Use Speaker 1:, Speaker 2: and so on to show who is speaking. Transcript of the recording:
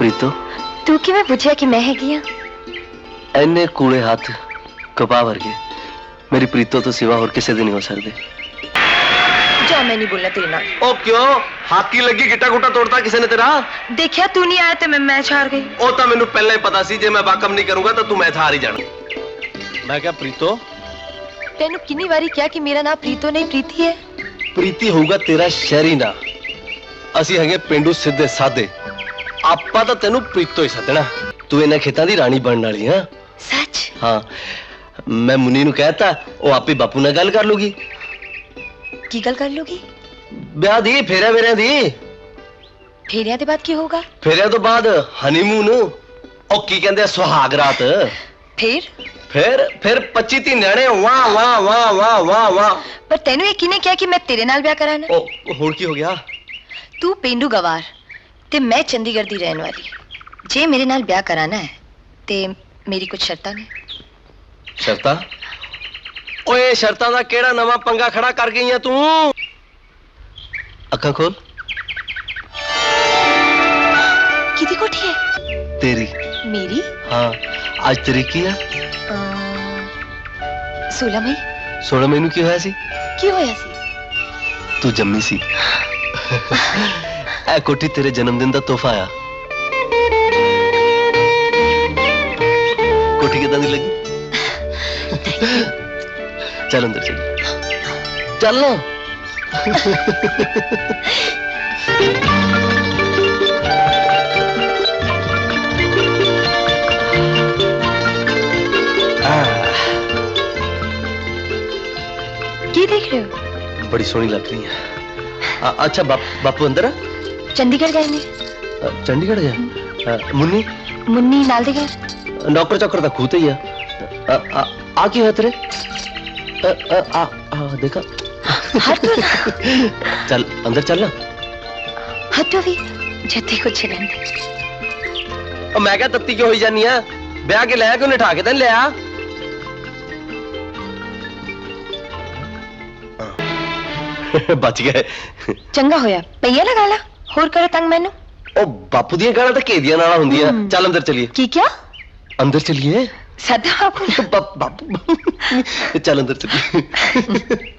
Speaker 1: प्रीतो
Speaker 2: तू किवें पुछया कि मैं हैगी हां?
Speaker 1: इन्ने कूड़े हाथ कपा वर्गे मेरी प्रीतो तो सिवा होर किसे दे नहीं हो सकते।
Speaker 2: जा मैं नहीं बोलना तेरे नाल।
Speaker 1: ओ क्यों हाकी लगी गिट्टा गुट्टा तोड़ता किसी ने तेरा?
Speaker 2: देखिया तू नहीं आया तो मैं मैच हार गई।
Speaker 1: ओ तो मैनू पहले ही पता सी जे मैं बाकम नहीं करूंगा तो तू मैच हार ही जाना। मैं क्या प्रीतो
Speaker 2: तेनू कितनी बारी क्या कि मेरा नाम प्रीतो नहीं प्रीति है।
Speaker 1: प्रीति होगा तेरा शहरी ना, असी हैगे पेंडू सीधे सादे। आपा तो तेनू प्रीतो ही सदना। तू इन्हां खेतां दी रानी बनने वाली हां।
Speaker 2: सच?
Speaker 1: हाँ मैं मुन्नी नू कहता वो आप ही बापू नाल गल कर लूगी।
Speaker 2: की गल कर लूगी?
Speaker 1: ब्याह दी फेरे मेरे दी।
Speaker 2: फेरिया दे बाद की होगा?
Speaker 1: फेरिया तो बाद हनीमून ओ की कहंदे सुहाग रात। फिर 25-30 न्याणे वाह वाह वाह वाह वाह वाह।
Speaker 2: पर तेनू ये किने क्या कि मैं तेरे नाल ब्याह कराना?
Speaker 1: ओ हुण की हो गया?
Speaker 2: तू पेंडू गवार ते मैं चंडीगढ़ दी रहने वाली। जे मेरे नाल ब्याह कराना है ते मेरी कुछ शर्तां ने।
Speaker 1: शर्तां? ओए शर्तां दा केड़ा नवा पंगा खड़ा कर गई है तू? अखां खोल।
Speaker 2: किदी कोठी है?
Speaker 1: तेरी।
Speaker 2: मेरी?
Speaker 1: हाँ आज तरीक की है?
Speaker 2: 16 मई।
Speaker 1: 16 मई नू की होया सी?
Speaker 2: की होया सी?
Speaker 1: तू जम्मी सी। ए कोठी तेरे जन्मदिन दा तोहफा आया। कोठी किदां दी लगी? चल अंदर चल। चल ना।
Speaker 2: की देख रहे हो?
Speaker 1: बड़ी सोहनी लग रही है। अच्छा बापू अंदर है?
Speaker 2: चंडीगढ़ गए ने।
Speaker 1: चंडीगढ़ गए? मुन्नी?
Speaker 2: मुन्नी नाल दे घर।
Speaker 1: नौकर चौकर तो खूते ही है। आ की है तेरे? देखा?
Speaker 2: हट ना।
Speaker 1: चल अंदर चल ना।
Speaker 2: हटो भी जत्ती कुछ नहीं।
Speaker 1: मैं क्या तत्ती क्यों हो जानी है? ब्याह के लाया क्यों निठा के तेन लिया? बच गए।
Speaker 2: चंगा होया पईया लगा ला होर करे तंग मैनू।
Speaker 1: ओ बापू दी गाना तो केदियां नाल हुंदियां। चल अंदर चलिए।
Speaker 2: की क्या?
Speaker 1: अंदर चलिए।
Speaker 2: सदा बापू
Speaker 1: बापू चल अंदर चलिए।